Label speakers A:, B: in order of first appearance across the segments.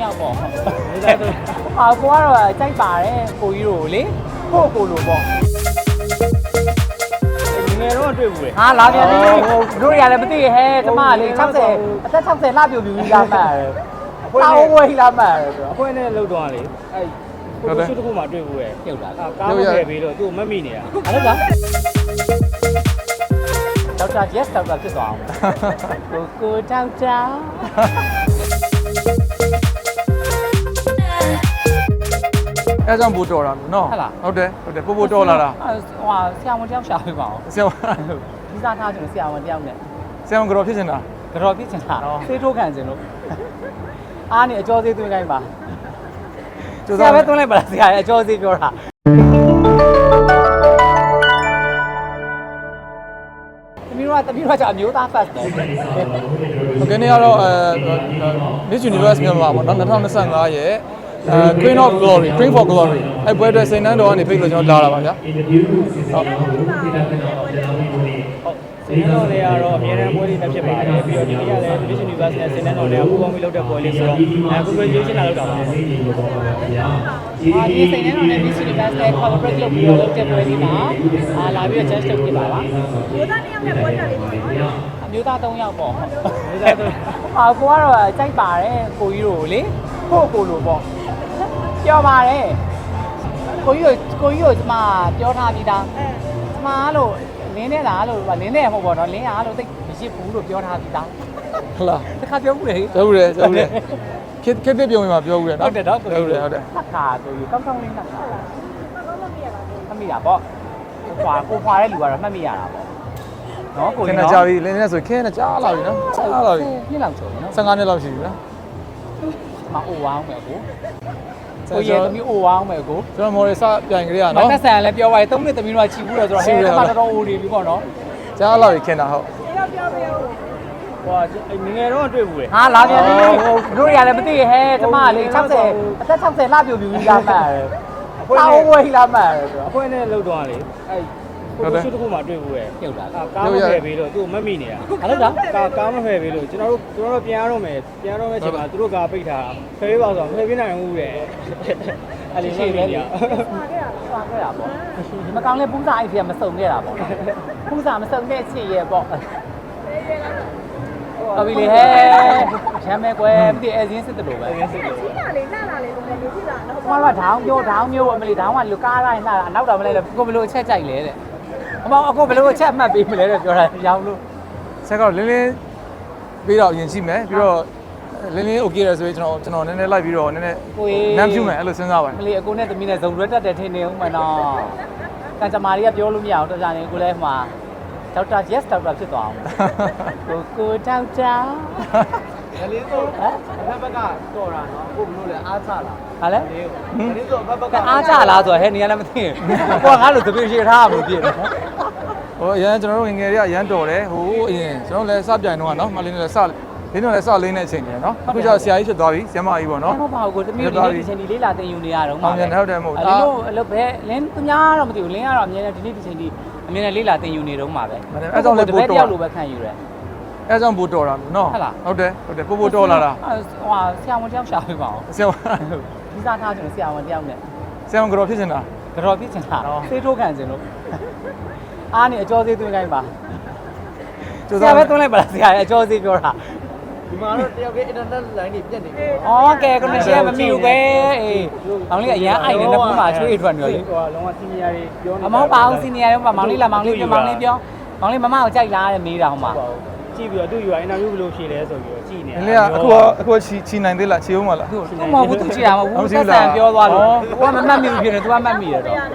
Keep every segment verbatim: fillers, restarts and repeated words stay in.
A: ယောက်ပေါ့ဟာကိုကတော့ကြိုက်ပါတယ်ကိုကြီးတို့လေကိုကိုလိုပေါ့ငယ်တော့တွေ့ဘူးလေဟာလာပြန်ပြီတို့ရလည်းမသိဟဲ့ကျမလေး၆၀အသက်၆၀လှပြူပြူကြီးလာမှတ်တယ်တောင်းဝေးလာမှတ်တယ်ဆိုတော့အခွင့်နဲ့လှုပ်သွားလေအဲ့ကိုရှိတစ်ခုမှတွေ့ဘူးရဲ့ပြုတ်တာကားမဖယ်ပြီးတော့သူ့မက်မိနေတာအဲ့ဒါဒေါက်တာ yes ဒေါက်တာဖြစ်သွားအောင်ကိုကိုဒေါက်တာ
B: အဲ့ကြောင့်ပို့တော်တာနော်ဟုတ်တယ်ဟုတ်တယ်ပို့ပို့တော်လာတာ
A: ဟိုဟာဆရာဝန်တယောက်ရှာပေးပါအောင်
B: ဆရာဝန်
A: ဒီစားထားချင်လို့ဆရာဝန်တယောက်နဲ့
B: ဆရာဝန်ကြော်ဖြစ်နေတာ
A: ကြော်ဖြစ်ချင်တာဆေးထိုးခံချင်လို့အားနေအကျော်သေးသွင်းခိုင်းပါဆရာပဲသွင်းလိုက်ပါလားဆရာရဲ့အကျော်သေးပြောတာတမီးတို့ကတမီးတို့ကကြာအမျိုးသား first တယ်
B: โอเคနေ့ကတော့အဲ Miss Universe မြန်မာပေါ့နော်twenty twenty-fiveရဲ့အဲ Queen of Glory Queen for Glory အဲ့ပွဲအတွက်စိန်နှန်းတော်ကနေဖိတ်လို့ကျွန်တော်လာတာပါဗျာဟုတ်
A: စိန်နှန်းတော်တွေကတော့အများအားပွဲတွေတက်ဖြစ်ပါတယ်ပြီးတော့ဒီနေ့ကလည်း Miss Universe နဲ့စိန်နှန်းတော်တွေကပူးပေါင်းပြီးလုပ်တဲ့ပွဲလေးဆိုတော့အဲကိုကိုရွေးချယ်လာလုပ်တာပါအာဒီစိန်နှန်းတော်နဲ့ Miss Universe နဲ့ collaborate လုပ်ပြီးတော့လုပ်တဲ့ပွဲလေးမှာအာလာပြီးတော့ judge လုပ်ဖြစ်ပါပါမျိုးသားတစ်ယောက်နဲ့ပွဲတက်လေးပေါ့နော်အမျိုးသားသုံးယောက်ပေါ့မျိုးသားသုံးဟာကိုကတော့ကြိုက်ပါတယ်ကိုကြီးတို့လေကိုကိုလိုပေါ့ပြောပါတယ်ကိုကြီးတို့ကိုကြီးတို့ကျမပြောထားပြီးသားကျမလို့လင်းနေတာလို့လင်းနေမှာပေါ့နော်လင်းအားလို့သိမရှိဘူးလို့ပြောထားပြီးသား
B: ဟုတ်လား
A: တခါပြောဘူးလေ
B: ပြောဘူးလေပြောဘူးလေခက်ခက်တဲ့ပြုံးမှာပြောဘူးလေ
A: ဟုတ်တယ်တော့
B: ဟုတ်တယ်ဟုတ်တယ်
A: ခါကိုကြီးကောင်းကောင်းလေးနဲ့ဟုတ်လားမှတ်မိရပါမှတ်မိတာပေါ့ခွာကိုခွာတဲ့လူကတော့မှတ်မိရတာပေါ့နော်ကိုကြီးနော်
B: ခဏကြာပြီလင်းနေဆိုခင်းနေကြာလာပြီနော်ကြာလာပြီ
A: နှစ်လောက်ကျော်နော်
B: fifteenနှစ်လောက်ရှိပြီနော်
A: မအိုဝအောင်မယ်ကိုကိုရဲ့သမီးအိုဝအောင်မယ်ကို
B: ကျွန်တော်မော်ရီစပြိုင်ကြရနော်
A: မတ်ဆန်လည်းပြောပါရဲ့သုံးနှစ်သမီးတို့ကချီဘူးတော့ဆိုတော့ဟဲ့အဲ့မှာတော်တော်အိုနေပြီပေါ့နော်
B: ကြာလာပြီခင်းတာဟုတ်
A: ဟိုငငယ်တော့တွေ့ဘူးလေဟာလာပြန်ပြီတို့ရလည်းမသိဟဲ့ကျမလေး၆၀အသက်၆၀လှပြူပြူကြီးလာမှတ်တယ်တောင်းဝေးလာမှတ်တယ်ဆိုတော့အခွင့်နဲ့လှုပ်သွားလေအဲ့ကိုရှိတစ်ခုမှတွေ့ဘူးရဲ့ပြုတ်တာကားမဖယ်ပြီးတော့သူ့မက်မိနေတာအဲ့ဒါကားကားမဖယ်ပြီးလို့ကျွန်တော်တို့ကျွန်တော်တို့ပြန်ရတော့မယ်ပြန်ရတော့မယ်ချိန်မှာသူတို့ကားပိတ်ထားဖယ်ပေးပါဆိုတော့ဖယ်ပေးနိုင်ဘူးရဲ့အဲ့ဒီရှိတယ်ကြာပါခဲ့တာပါခဲ့တာပေါ့ဒီမကောင်းလဲပူးစာအိတ်ပြမစုံခဲ့တာပေါ့ပူးစာမစုံတဲ့ချစ်ရဲ့ပေါ့အဘီလေးဟဲ့ချမ်းမဲကွယ်မသိအစင်းစစ်တယ်လို့ပဲအစင်းစစ်တယ်ချင်းလာလေလှလာလေလို့လည်းဖြစ်လာတော့ဘာလို့ဒေါင်းမျိုးဒေါင်းမျိုးအမလီဒေါင်းကလူကားတိုင်းလှတာနောက်တော့မလဲလေကိုဘလို့အချက်ကြိုက်လဲတဲ့အမေအခုဘလို့အချက်အမှတ်ပေးမလဲတဲ့ပြောတာရောင်းလို့
B: ဆက်ကတော့လင်းလင်းပြီးတော့ရင်ရှိမယ်ပြီးတော့လင်းလင်း okay ရဆိုရင်ကျွန်တော်ကျွန်တော်နည်းနည်းလိုက်ပြီးတော့နည်းနည်းနမ်းဖြူမယ်အဲ့လိုစဉ်းစားပါတယ်
A: မလီအကိုနဲ့သမီးနဲ့ဇုံရွက်တက်တယ်ထင်နေဦးမနော်ကံကြမာတွေကပြောလို့မရအောင်တော်ကြနေကိုလည်းဟိုမှာဒေါက်တာ yes ဒေါက်တာဖြစ်သွားအောင်ကိုကိုဒေါက်တာငလေးဆိုဟမ်ဘက်ဘက်ကတော်တာနော်ကိုဘလို့လဲအားချလာဟာလဲငလေးဆိုဘက်ဘက်ကအားချလာဆိုဟဲ့နေရလည်းမသိဘူးကိုကငါ့လိုတပည့်ရှိထားမှာပြည့်တယ်
B: ဟိုအရင်ကျွန်တော်တို့ငငယ်တွေကရမ်းတော်တယ်ဟိုအရင်ကျွန်တော်လည်းစပြိုင်တော့နော်မလင်းလည်းစလင်းတော့လည်းစလင်းတဲ့အချိန်တွေနော်အခုကျတော့ဆရာကြီးဖြစ်သွားပြီဆရာမကြီးပေါ့နော်
A: ဟုတ်ပါဘူးကိုတမီးတို့ဒီချိန်ဒီလေးလာတင်ယူနေရတော့
B: မှာဟုတ်တယ်ဟုတ်တယ်မဟုတ်
A: ဘူးအဲ့လိုအဲ့လိုပဲလင်းသူများတော့မသိဘူးလင်းကတော့အမြဲတမ်းဒီနေ့ဒီချိန်ဒီအမြဲတမ်းလေးလာတင်ယူနေတော့မှာပဲ
B: အဲ့ကြောင့်လည်းပို့တော်
A: တပည့်တယောက်လိုပဲခံယူတယ်
B: အဲ့ကြောင့်ပို့တော်တာနော်ဟုတ်တယ်ဟုတ်တယ်ပို့ပို့တော်လာတာ
A: ဟိုဟာဆရာဝန်တယောက်ရှာပေးပါအောင်
B: ဆရာဝန်
A: ဒီစားထားချင်လို့ဆရာဝန်တယောက်နဲ့
B: ဆရာဝန်ကြော်ဖြစ်နေတာ
A: ကြော်ဖြစ်ချင်တာဆေးထိုးခံချင်လို့အားနေအကျော်သေးသွင်းခိုင်းပါဆရာပဲသွင်းလိုက်ပါလားဆရာရဲ့အကျော်သေးပြောတာဒီမှာတော့တယောက်က internet line တွေပြတ်နေပြီ။အော်ကဲ connection မမီဘူးပဲ။အေး။မောင်လေးအရန်အိုက်နေနှစ်ခုမှချွေးထွက်နေရောလေ။ဟိုလုံးဝ senior တွေပြောနေ။အမောပါအောင် senior တွေပါမောင်လေးလာမောင်လေးပြောမောင်လေးပြော။မောင်လေးမမကိုကြိုက်လားတဲ့မေးတာဟိုမှာ။ကြည့်ပြီးတော့သူ့ interview ဘယ်လိုဖြေလဲဆိုပြီးတော့ကြည့်နေတာ
B: ။လေအခုအခုချီချီနိုင်သေးလားချီအောင်မလား။
A: သူမဟုတ်ဘူးသူကြည့်တာမဟုတ်ဘူး။ဆက်ဆံပြောသွားလို့။ तू ကမမှတ်မိဘူးဖြစ်နေ तू ကမှတ်မိရတော့။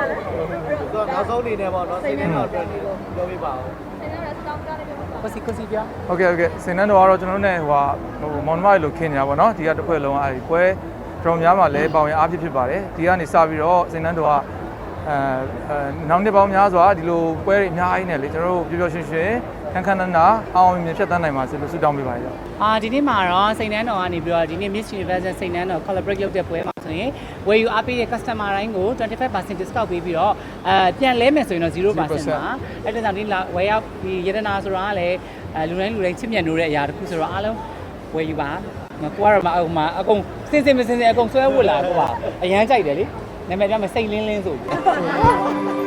A: तू ကနောက်ဆုံးနေနေပေါ့နော်စိတ်ထဲတော့ပြောပြပါဦး။ကိုစီကိုစီပြ
B: โอเคโอเคစင်နန်းတော်ကတော့ကျွန်တော်တို့ ਨੇ ဟိုဟိုမောင်နှမတွေလို့ခင်နေတာပေါ့နော်ဒီကတစ်ခွက်လုံးအဲဒီပွဲတော်များမှာလည်းပေါင်ရအားဖြစ်ဖြစ်ပါတယ်ဒီကနေစပြီးတော့စင်နန်းတော်ကအဲနောက်နှစ်ပေါင်းများစွာဒီလိုပွဲတွေအများကြီးနဲ့လေကျွန်တော်တို့ပျော်ပျော်ရွှင်ရွှင်ခန်းခန်းနာနာအောင်အောင်မြင်ဖြတ်သန်းနိုင်ပါစေလို့ဆုတောင်းပေးပါရစေ
A: အာဒီနေ့မှာတော့စိန်နန်းတော်ကနေပြီးတော့ဒီနေ့ Miss Universe စိန်နန်းတော် collaborate လုပ်တဲ့ပွဲမှာဆိုရင်ဝယ်ယူအားပေးတဲ့ customer တိုင်းကိုtwenty-five percent discount ပေးပြီးတော့အဲပြန်လဲမယ်ဆိုရင်တော့zero percent ပါအဲ့ဒါကြောင့်ဒီဝယ်ရောက်ဒီရတနာဆိုတာကလည်းအဲလူတိုင်းလူတိုင်းချစ်မြတ်နိုးတဲ့အရာတစ်ခုဆိုတော့အားလုံးဝယ်ယူပါကိုကတော့မအမအကုန်စင်စင်မစင်စင်အကုန်ဆွဲဝတ်လာကိုပါအရန်ကြိုက်တယ်လေနာမည်ကမစိတ်လင်းလင်းဆိုပြီး